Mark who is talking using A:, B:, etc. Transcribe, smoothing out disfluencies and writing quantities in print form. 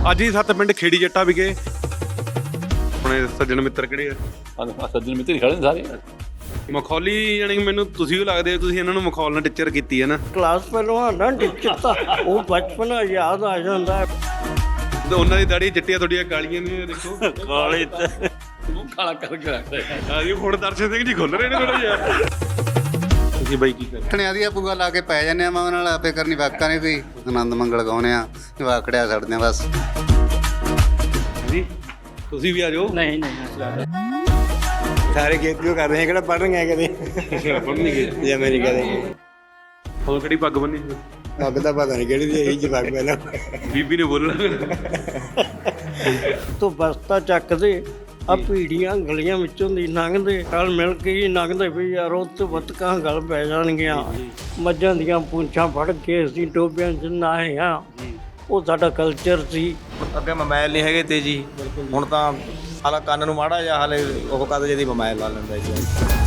A: ਅੱਜ ਹੀ 7 ਪਿੰਡ ਖੇੜੀ ਜੱਟਾ ਵਿਖੇ ਆਪਣੇ ਸੱਜਣ ਮਿੱਤਰ ਕਿਹੜੇ ਆ?
B: ਸੱਜਣ ਮਿੱਤਰ ਹੀ ਖੜੇ ਨੇ ਸਾਰੇ।
A: ਮਖੌਲੀ ਯਾਨੀ ਮੈਨੂੰ ਤੁਸੀਂ ਵੀ ਲੱਗਦੇ ਹੋ, ਤੁਸੀਂ ਇਹਨਾਂ ਨੂੰ ਮਖੌਲ ਨਾਲ ਟੀਚਰ ਕੀਤੀ ਹੈ ਨਾ।
C: ਕਲਾਸ ਪਹਿਲਵਾਨ ਨਾ ਟੀਚਰ ਤਾਂ ਉਹ ਬਚਪਨ ਯਾਦ ਆ ਜਾਂਦਾ ਹੈ।
A: ਤੇ ਉਹਨਾਂ ਦੀ ਦਾੜੀ ਚਿੱਟੀਆਂ, ਤੁਹਾਡੀਆਂ ਕਾਲੀਆਂ ਨੇ, ਦੇਖੋ
B: ਕਾਲੇ ਤੇ ਮੂੰਹ ਕਾਲਾ ਕਰਕੇ ਰੱਖਦੇ
A: ਆ ਜੀ। ਹੁਣ ਦਰਸ਼ਨ ਸਿੰਘ ਜੀ ਖੁੱਲ ਰਹੇ ਨੇ ਥੋੜਾ ਜਿਹਾ। ਤੁਸੀਂ ਬਾਈ ਕੀ ਕਰਦੇ?
D: ਠਣਿਆਂ ਦੀਆਂ ਪੂਗਾ ਲਾ ਕੇ ਪੈ ਜਾਂਦੇ ਆ, ਮਾਂ ਨਾਲ ਆਪੇ ਕਰਨੀ ਵਾਕਾਂ ਨੇ ਕੋਈ ਆਨੰਦ ਮੰਗਲ ਗਾਉਣੇ ਆ, ਵਾਕੜਿਆ ਛੱਡਦੇ ਆ ਬਸ।
A: ਜੀ ਤੁਸੀਂ ਵੀ ਆ ਜਾਓ।
C: ਨਹੀਂ ਨਹੀਂ
E: ਸਾਰੇ ਖੇਤੀ ਕਰ ਰਹੇ ਕਿਹੜਾ ਪੜ੍ਹ ਗਏ ਕਦੇ
A: ਪੜ੍ਹ ਨਹੀਂ ਗਏ
E: ਜਾਂ ਮੇਰੀ ਕਦੇ
A: ਹੋਰ ਕਿਹੜੀ ਪੱਗ ਬੰਨੀ?
E: ਅੱਗ ਦਾ ਪਤਾ ਨਹੀਂ ਕਿਹੜੀ ਦੀ ਇਹੀ ਜਵਾਬ ਪਹਿਲਾਂ
A: ਬੀਬੀ ਨੇ ਬੋਲਣਾ।
C: ਤੂੰ ਬਸਤਾ ਚੱਕਦੇ ਆ ਪੀੜੀਆਂ ਗਲੀਆਂ ਵਿੱਚੋਂ ਦੀ ਲੰਘਦੇ ਨਾਲ ਮਿਲ ਕੇ ਹੀ ਲੰਘਦੇ ਵੀ ਯਾਰ ਉੱਥੇ ਬੱਤਕਾਂ ਗਲ ਪੈ ਜਾਣਗੀਆਂ। ਮੱਝਾਂ ਦੀਆਂ ਪੂੰਛਾਂ ਫੜ ਕੇ ਅਸੀਂ ਟੋਬਿਆਂ 'ਚ ਨਹਾਏ ਆ। ਉਹ ਸਾਡਾ ਕਲਚਰ ਸੀ।
F: ਅੱਗੇ ਮੋਬਾਈਲ ਨਹੀਂ ਹੈਗੇ ਤੇ ਜੀ, ਹੁਣ ਤਾਂ ਹਾਲਾ ਕੰਨ ਨੂੰ ਮਾੜਾ ਜਿਹਾ ਹਾਲੇ ਉਹ ਕਦ ਜਿਹਦੀ ਮੋਬਾਈਲ ਲਾ ਲੈਂਦਾ ਜੀ।